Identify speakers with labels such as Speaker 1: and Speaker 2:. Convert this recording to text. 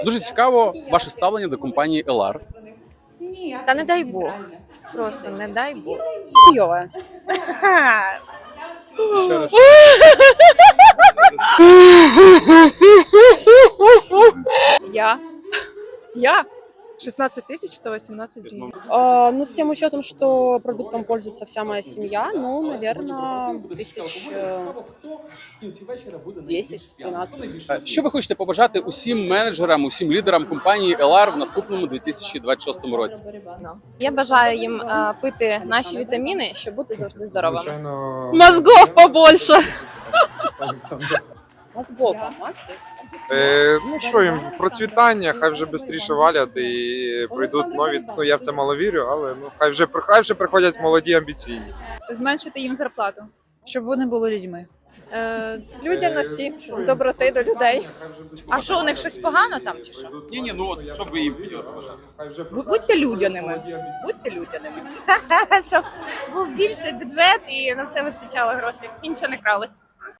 Speaker 1: Дуже цікаво ваше ставлення до компанії LR.
Speaker 2: Та не дай Бог. Просто не дай Бог.
Speaker 3: Хуйове.
Speaker 1: Ще раз.
Speaker 3: Я?
Speaker 2: 16 тысяч 118 гривен.
Speaker 3: Ну, с тем учетом, что продуктом пользуется вся моя семья, ну, наверное, 10-12.
Speaker 1: Що ви хочете побажати усім менеджерам, усім лідерам компанії LR в наступному 2026 році?
Speaker 2: Я бажаю їм пити наші вітаміни, щоб бути завжди здоровими.
Speaker 4: Звичайно,
Speaker 3: Мозгов побольше. Мозгов.
Speaker 4: ну що їм, процвітання, хай вже швидше валять і прийдуть нові. Ну я в це мало вірю, але ну хай вже приходять молоді амбіційні.
Speaker 5: Зменшити їм зарплату, щоб вони були людьми.
Speaker 2: Людяності, доброти до людей.
Speaker 5: А що, у них щось погано там чи що?
Speaker 1: Ні, ну от що ви їм побажаєте?
Speaker 5: Будьте людяними. Будьте людяними. Щоб був більший бюджет і на все вистачало грошей. І нічого не кралось.